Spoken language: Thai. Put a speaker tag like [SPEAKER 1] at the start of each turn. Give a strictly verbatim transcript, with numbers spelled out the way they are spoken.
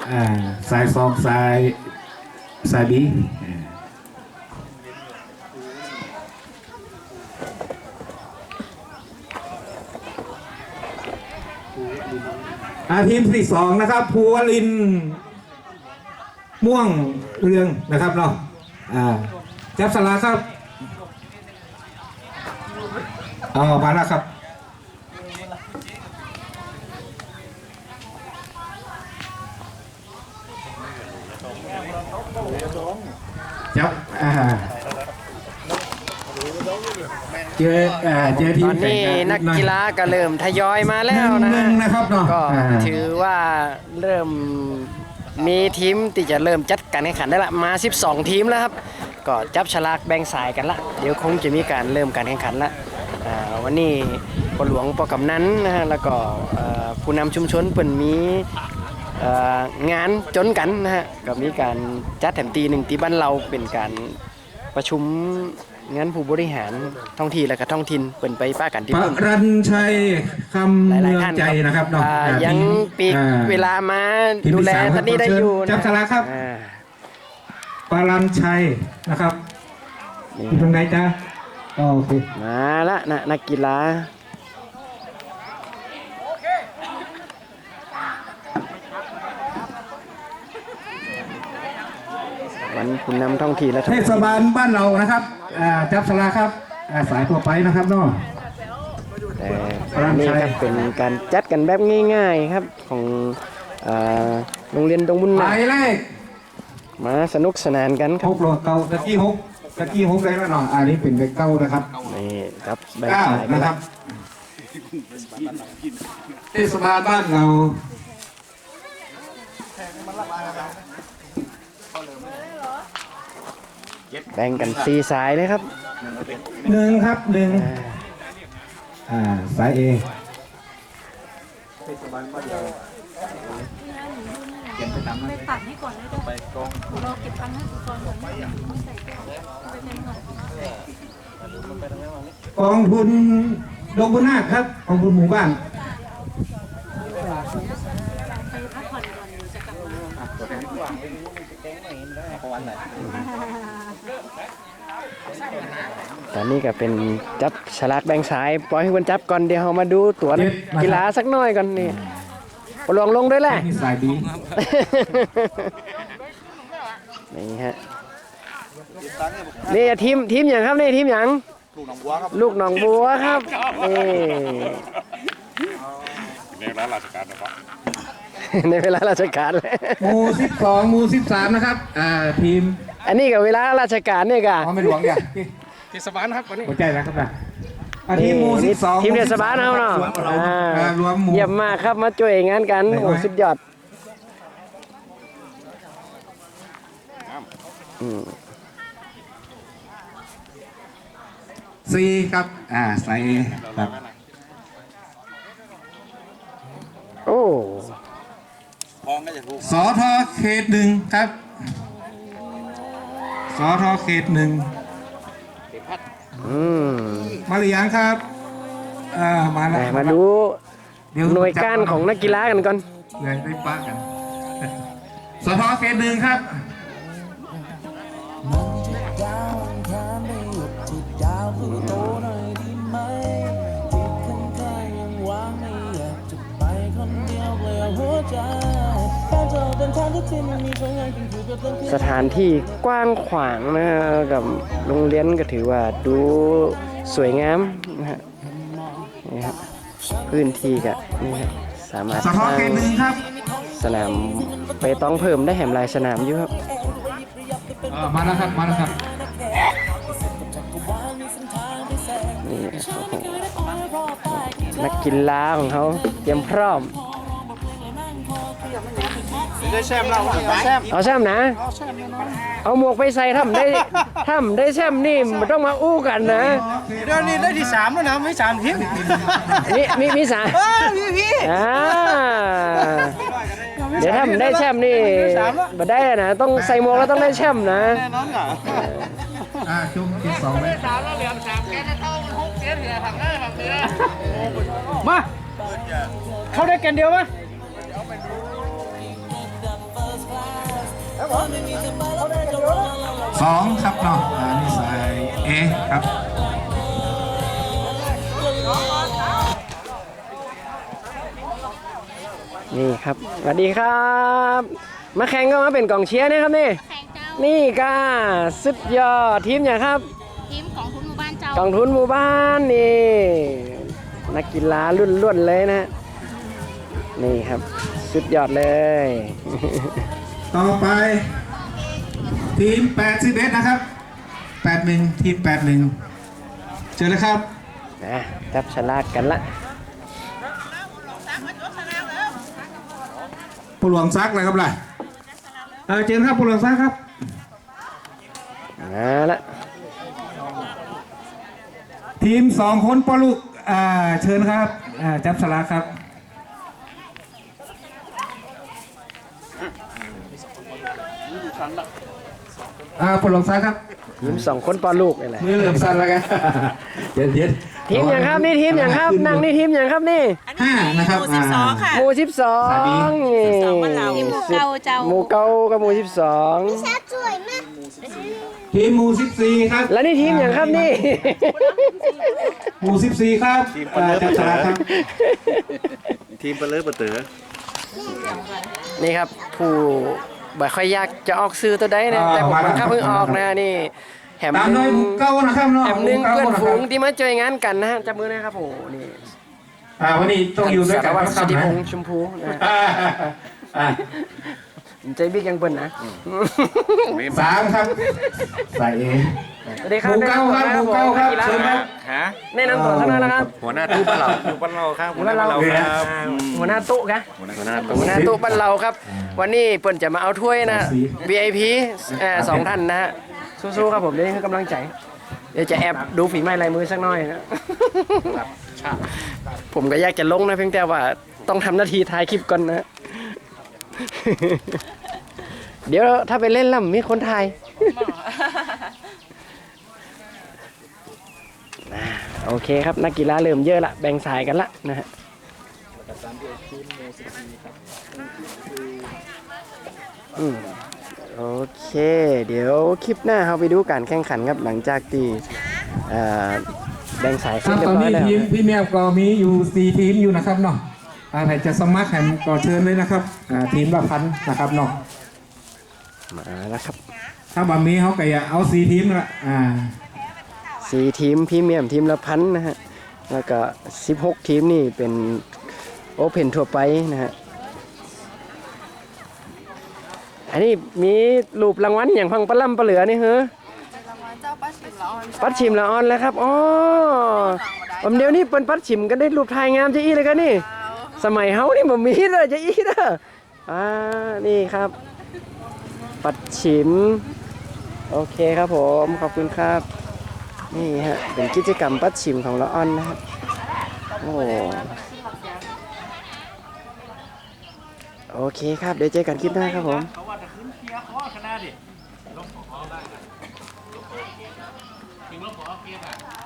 [SPEAKER 1] อ่าสายสองสายสายบีอาทีมที่สองนะครับภูวลินม่วงเรืองนะครับเนาะอ่าจับสลากครับเอามาแล้วครับจับอ่าเจออ่าเจอทีม
[SPEAKER 2] ตอนนี้นักกีฬาก็เริ่มทยอยมาแล้วนะ
[SPEAKER 1] หนึ่งนะครับเนาะ
[SPEAKER 2] ก็
[SPEAKER 1] อ่า
[SPEAKER 2] ถือว่าเริ่มมีทีมที่จะเริ่มจัดการแข่งขันได้ละมาสิบสองทีมแล้วครับก็จับฉลากแบ่งสายกันละเดี๋ยวคงจะมีการเริ่มการแข่งขันละอ่าวันนี้ปหลวงปกำนันนะฮะแล้วก็เอ่อผู้นำชุมชนเปิ่นมีเอ่องานจนกันนะฮะก็มีการจัดแถมตีหนึ่งตีบ้านเราเป็นการประชุมงานผู้บริหารท้องที่และก็ท้องถิ่นเปิ่นไปป้ากันที่
[SPEAKER 1] ป
[SPEAKER 2] พุ่น
[SPEAKER 1] รัญชัยคำ
[SPEAKER 2] ห
[SPEAKER 1] เมื
[SPEAKER 2] ลาย
[SPEAKER 1] อง
[SPEAKER 2] ๆท่าน
[SPEAKER 1] ใจนะครับเนาะ
[SPEAKER 2] อ่า
[SPEAKER 1] อ่า
[SPEAKER 2] ยัง
[SPEAKER 1] ทีม
[SPEAKER 2] ปีก
[SPEAKER 1] อ่
[SPEAKER 2] เวลามา
[SPEAKER 1] ทีม
[SPEAKER 2] ดู
[SPEAKER 1] ที่
[SPEAKER 2] แล
[SPEAKER 1] สาม
[SPEAKER 2] ท่านนี้ได้อยู่
[SPEAKER 1] จับฉลากครับ
[SPEAKER 2] อ่า
[SPEAKER 1] ปรัญชัยนะครับ
[SPEAKER 2] นี่
[SPEAKER 1] อยู่ตรงไหนจ๊ะอ๋อโอเค
[SPEAKER 2] มาละนะนักกีฬาวันผู้นำท้องที่และ
[SPEAKER 1] เทศบาลบ้านเรานะครับอ่าจับฉลากครับอ่าสายตัวไปนะครับเนาะ
[SPEAKER 2] แต่นี่ครับเป็นการจัดกันแบบง่ายๆครับของอ่าโรงเรียนดงบุญ
[SPEAKER 1] ห
[SPEAKER 2] นา
[SPEAKER 1] มายเลข
[SPEAKER 2] มาสนุกสนานกันค
[SPEAKER 1] ห
[SPEAKER 2] รับ
[SPEAKER 1] กโลเก้าตะกี้หกตะกี้หกได้แล้วเนาะอันนี้เป็นเลขเก้านะครับ
[SPEAKER 2] นี่ครับแบ่ง
[SPEAKER 1] เก้า
[SPEAKER 2] สายกัน
[SPEAKER 1] นะครับเทศบาลบ้านเรา
[SPEAKER 2] แบ่งกันสี่สายเลยครับ
[SPEAKER 1] หนึ่งครับหนึ่งอ่าสายเอ
[SPEAKER 3] ไปตัดให้ก่อนเลยไปกองเราเก็บตังค์ให้ก่อนก่อนไม่ไม่ใส่แก้วไปเต็มก่อน
[SPEAKER 1] กองทุนดงบุญนาคครับกองทุนหมู่บ้าน
[SPEAKER 3] ไปพักผ่อนก่อนจะกลับมา
[SPEAKER 2] ตอนนี้ก็เป็นจับฉลากแบ่งสายปล่อยให้คนจับก่อนเดี๋ยวเรามาดูตัวนักกีฬาสักหน่อยก่อนนี่ปลวงลงด้วยแหละ
[SPEAKER 1] นี่สายดี
[SPEAKER 2] นี่ฮะนี่ทีมทีมอย่างครับนี่ทีมอย่างลูกหนองบัวครับนี่
[SPEAKER 4] ในร้านราชการนะครับ
[SPEAKER 2] ในเวลาราชการเลย
[SPEAKER 1] หมู่สิบสองหมู่สิบสามนะครับอ่าทีม
[SPEAKER 2] อันนี้กับเวลาราชการเนี่ยกะ
[SPEAKER 1] อ๋อไม่หลวงเนี่ย
[SPEAKER 4] เทศบาลครับวันนี้
[SPEAKER 1] หัวใจนะครับนะอ่าทีมหมู่สิบสอง
[SPEAKER 2] ทีมเทศบาลเอาเนาะ
[SPEAKER 1] อ่ารวมหมู่
[SPEAKER 2] เยี่ยมมากครับมาช่วยงานกันโอ้สุดยอดอืม
[SPEAKER 1] สี่ครับอ่าสายเอครับ
[SPEAKER 2] โอ้
[SPEAKER 1] สอทอเขตหนึ่งครับสอทอเขตหนึ่ง
[SPEAKER 2] อืม
[SPEAKER 1] มาหรือยังครับอ่ามาแล้ว
[SPEAKER 2] แต่มาดู
[SPEAKER 1] เดี๋ยว
[SPEAKER 2] หน่วยการของนักกีฬากันก่อน
[SPEAKER 1] เลยได้ป้ากันสอทอเขตหนึ่งครับ
[SPEAKER 2] สถานที่กว้างขวางนะกับโรงเรียนก็ถือว่าดูสวยงามนะฮะนี่ครับพื้นที่ก็นี่ครับสามารถ
[SPEAKER 1] ส
[SPEAKER 2] ส
[SPEAKER 1] ทอ
[SPEAKER 2] ร้าง
[SPEAKER 1] เขตหนึ่งครับ
[SPEAKER 2] สนามไปต้องเพิ่มได้แหมหลายสนามอยู่ครับ
[SPEAKER 1] อ่ามาแล้วครับ มาแล้วครับ
[SPEAKER 2] นี่โอ้โหนักกีฬาของเขาเตรียมพร้อม
[SPEAKER 4] ได้แชมป์เราแชมป์
[SPEAKER 2] เอาแชมป์นะ เอาหมวกไปใส่ทำได้ทำได้แชมป์นี่มันต้องมาอู้กันนะ
[SPEAKER 4] เดี๋ยวนี้ได้ที่สามแล้วนะไม่สามทีม
[SPEAKER 2] มีมีมีสา
[SPEAKER 4] พี่พี่
[SPEAKER 2] อ่าเดี๋ยวถ้ามันได้แชมป์นี่มาได้นะต้องใส่หมวกแล้วต้องได้แชมป์นะ
[SPEAKER 4] แน่นอนค่ะ
[SPEAKER 1] อ่าจุ่มที่สองเลย
[SPEAKER 4] สามแล้วเหลือสามแกจะเข้าหกเสียเหลือฝั่งได้ฝั่งเดียวมาเข้าได้กันเดียวมั้ย
[SPEAKER 1] สองครับเนาะอ่านี่สายเอครับ
[SPEAKER 2] นี่ครับสวัสดีครับ มาแข่งก็มาเป็นกองเชียร์นะครับนี่
[SPEAKER 5] แข่งเจ้า
[SPEAKER 2] นี่ก้าสุดยอดทีมอย่างครับ
[SPEAKER 5] ทีมของทุนหมู่บ้านเจ้าก
[SPEAKER 2] องทุนหมู่บ้านนี่นักกีฬารุ่นล้วนๆเลยนะ นี่ครับสุดยอดเลย
[SPEAKER 1] ต่อไปทีมแปดสิบเอ็ดนะครับแปดหนึ่งทีมแปดหนึ่งเจอเลยครับ
[SPEAKER 2] นะจับฉลากกันละ
[SPEAKER 1] ผู้หลวงซักเลยครับล่ะเออเจอครับผู้หลวงซักครับ
[SPEAKER 2] มาละ
[SPEAKER 1] ทีมสองคนปอลูกอ่าเชิญครับอ่าจับสลากครับอ่าผู้หลวงซักครับ
[SPEAKER 2] ทีมสองคนปอลูกนี่แหละ
[SPEAKER 1] มือเหลื่อมสั่นแล้วกันเย็นเย็น
[SPEAKER 2] ทีมอย่างครับนี่ทีมอย่างครับนั่งนี่ทีมอย่างครับนี่
[SPEAKER 1] ห้านะครับ
[SPEAKER 6] หมู่สิบสองค่ะ
[SPEAKER 2] หมู่สิบสอง
[SPEAKER 6] สองบ้านเรา
[SPEAKER 5] ทีมหมู่เก่าเจ้า
[SPEAKER 2] หมู่เก่ากับหมู่สิบสอง
[SPEAKER 1] ทีมหมู่สิบสี่ครับ
[SPEAKER 2] แล้วนี่ทีมอย่างครับนี่
[SPEAKER 1] หมู่สิบสี่ครับอ่าจับสลากครับ
[SPEAKER 4] ทีมเปลือกเปลือ
[SPEAKER 2] นี่ครับผู้บ่ค่อยอยากจะออกซื้อตัวใดนะแต่ผมมันข้าเพิ่งออกนะนี่แหม
[SPEAKER 1] ตาม
[SPEAKER 2] ห
[SPEAKER 1] ด้ว
[SPEAKER 2] นึ่
[SPEAKER 1] ย
[SPEAKER 2] ง
[SPEAKER 1] หมู่เก้านะครับเนาะ
[SPEAKER 2] แหมหนึ่ง
[SPEAKER 1] หมู่
[SPEAKER 2] เพื่อน
[SPEAKER 1] ก้า
[SPEAKER 2] ฝูง
[SPEAKER 1] นะครับ
[SPEAKER 2] ที่มาเจองานกันนะฮะจับมือนะครับโอ้โหนี่
[SPEAKER 1] อ่าวันนี้ต้องอยู่ด้วย
[SPEAKER 2] สา
[SPEAKER 1] กั
[SPEAKER 2] ร
[SPEAKER 1] น
[SPEAKER 2] วัตร
[SPEAKER 1] นะค
[SPEAKER 2] ส
[SPEAKER 1] รับ
[SPEAKER 2] ติพ
[SPEAKER 1] นะ
[SPEAKER 2] งษ์ชมพูนะ
[SPEAKER 1] อ่าอ่า
[SPEAKER 2] ใจบิ๊กยังเปิ้นนะ
[SPEAKER 1] สามครับใส่เอ
[SPEAKER 2] สวัสดีค
[SPEAKER 1] ห
[SPEAKER 2] รับ
[SPEAKER 1] มู่เก้าครับหมู่เก้าครับเชิญครับ
[SPEAKER 4] ฮะ
[SPEAKER 2] แนะนำตัวสักหน่อยนะครับ
[SPEAKER 4] หัวหน้าตู้บ้านเราตู้บ้านเราครับ
[SPEAKER 2] หัวหน้าเราครับหัวหน้าตุ๊กะ
[SPEAKER 4] หัวหน้า
[SPEAKER 2] หัวหน้าตุ๊กบ้านเราครับ วันนี้เปิ้นจะมาเอาถ้วยนะ วี ไอ พี เอ่อสองท่านนะฮะสู้ๆครับผมเดี๋ยวนี้คือกำลังใจเดี๋ยวจะแอบดูฝีไม้ลายมือสักหน่อยนะผมก็อยากจะลงนะเพียงแต่ว่าต้องทำหน้าที่ถ่ายคลิปก่อนนะ เดี๋ยวถ้าไปเล่นแล้วมีคนถ่าย โอเคครับนักกีฬาเริ่มเยอะละแบ่งสายกันละนะฮะอืมโอเค เดี๋ยวคลิปหน้าเราไปดูการแข่งขันครับหลังจากที่เอ่อแบ่งสาย
[SPEAKER 1] ค
[SPEAKER 2] เสร็
[SPEAKER 1] รั
[SPEAKER 2] จ
[SPEAKER 1] บ
[SPEAKER 2] เรีย
[SPEAKER 1] ตอบ น
[SPEAKER 2] ร้อย
[SPEAKER 1] นี้
[SPEAKER 2] แล้ว
[SPEAKER 1] ทีมพี่แมวก็มีอยู่สี่ทีมอยู่นะครับเนาะอ่าใครจะสมัครแข่งก็เชิญเลยนะครับอ่าทีมละพันนะครับเนาะ
[SPEAKER 2] มาแล้วครับ
[SPEAKER 1] ถ้าบะมีเขาก็อยากเอาสี่ทีมละอ่า
[SPEAKER 2] สี่ทีมพรีเมียมทีมละพันนะฮะแล้วก็สิบหกทีมนี่เป็นโอเพนทั่วไปนะฮะอันนี้มีรูปรางวัลอย่างพังปลาล่ำปลาเหลือนี่เหรอปัดชิมละออนแล้วครับอ๋อผมเดี๋ยวนี้เป็นปัดชิมกันได้รูปถ่ายงามจะอีเลยกันนี่สมัยเฮานี่บ่มีเลยจะอีเด้ออ่านี่ครับปัดชิมโอเคครับผมขอบคุณครับนี่ฮะเป็นกิจกรรมปัดชิมของละออนนะครับโอ้โอเคครับเดี๋ยวเจอกันคลิปหน้าครับผม
[SPEAKER 4] เขาว่าจะขึ้นเกียร์ข้อขนาดดิลงขอได้ถึงลงขอเกียร์อ่ะ